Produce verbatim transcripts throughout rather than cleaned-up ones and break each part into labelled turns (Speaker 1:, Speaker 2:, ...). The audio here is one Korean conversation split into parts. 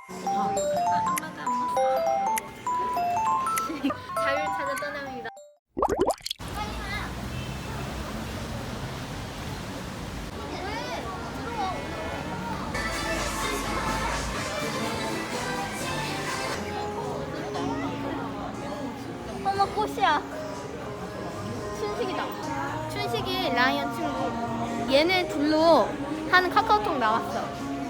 Speaker 1: 아, 안 맞아, 안 맞아. 자유를 찾아 떠납니다. 어머, 꽃이야. 춘식이다. 춘식이 라이언 친구. 얘네 둘로 하는 카카오톡 나왔어.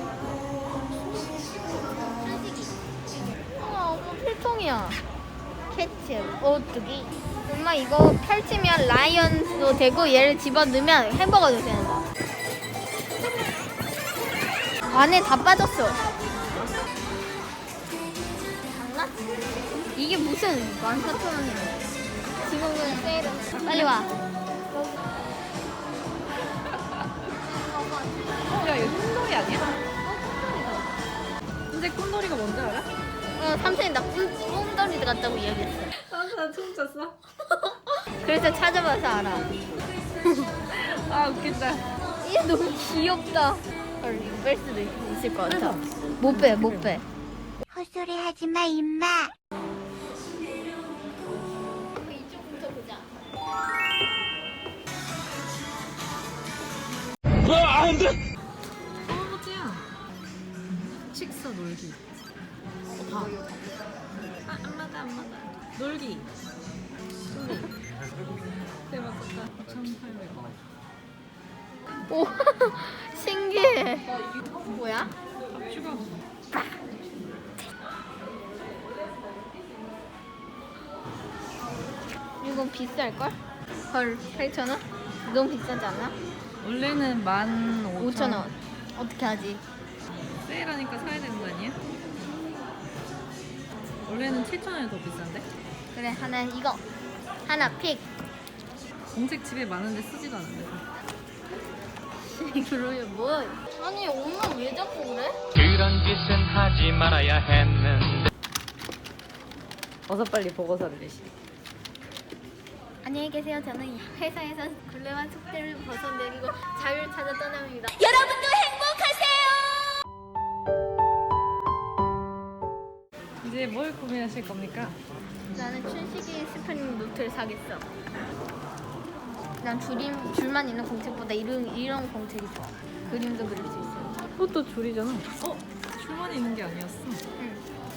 Speaker 1: 춘식이. 어머, 어머, 필통이야. 캐치, 오뚜기. 엄마 이거 펼치면 라이언도 되고 얘를 집어넣으면 햄버거도 되는 거야. 안에 다 빠졌어. 장난? 이게 무슨 만 사천 원이야. 지금은 세일은 빨리 와.
Speaker 2: 야, 이거 콘돌이 아니야? 근데 콘돌이가 뭔지 알아?
Speaker 1: 어, 삼촌이 나 꿈돌이 같다고 이야기했어.
Speaker 2: 나 처음 쳤어.
Speaker 1: 그래서 찾아봐서 알아.
Speaker 2: 아, 웃긴다.
Speaker 1: 얘 너무 귀엽다. 헐, 이거 뺄 수도 있을 것 같아. 못 빼, 못 빼.
Speaker 3: 헛소리 하지 마, 임마.
Speaker 1: 이쪽부터 보자.
Speaker 2: 할아버지야. 칙서 놀기. 어, 다. 아, 안 맞아, 안 맞아. 놀기. 놀기. 대박 좋다. 오천팔백 원.
Speaker 1: 오, 신기해. 뭐야?
Speaker 2: 추가.
Speaker 1: 이거 비쌀걸? 헐, 팔천 원? 너무 비싸지 않아?
Speaker 2: 원래는 만
Speaker 1: 오천 원. 어떻게 하지?
Speaker 2: 세일하니까 사야 되는 거 아니야? 원래는 칠천 원이 더 비싼데?
Speaker 1: 그래, 하나 이거. 하나 픽.
Speaker 2: 공책 집에 많은데 쓰지도 않는데.
Speaker 1: 그러면 뭐? 아니, 엄마 왜 자꾸 그래?
Speaker 4: 그런 짓은 하지 말아야 했는데.
Speaker 2: 어서 빨리 보고서를 내시.
Speaker 1: 안녕히 계세요. 저는 회사에서 굴레와 숙제를 벗어내리고 자유를 찾아 떠납니다.
Speaker 3: 여러분도 행복하세요.
Speaker 2: 이제 뭘 구매하실 겁니까?
Speaker 1: 나는 춘식이 스프링 노트를 사겠어. 난 줄임, 줄만 있는 공책보다 이런, 이런 공책이 좋아. 그림도 그릴 수 있어.
Speaker 2: 그것도 줄이잖아. 어? 줄만 있는 게 아니었어.
Speaker 1: 응.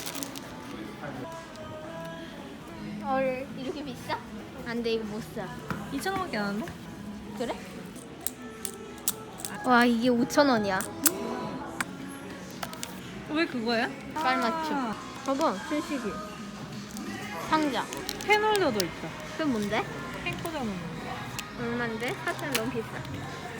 Speaker 1: 헐, 이렇게 비싸? 안 돼, 이거 못 사.
Speaker 2: 이천 원밖에 안 하는데?
Speaker 1: 그래? 와, 이게 오천 원이야.
Speaker 2: 왜 그거야?
Speaker 1: 깔맞춤. 봐봐, 춘식이. 상자.
Speaker 2: 펜홀더도 있다.
Speaker 1: 그게 뭔데?
Speaker 2: 펜 꽂아놓는 거.
Speaker 1: 얼만데? 사실 너무 비싸.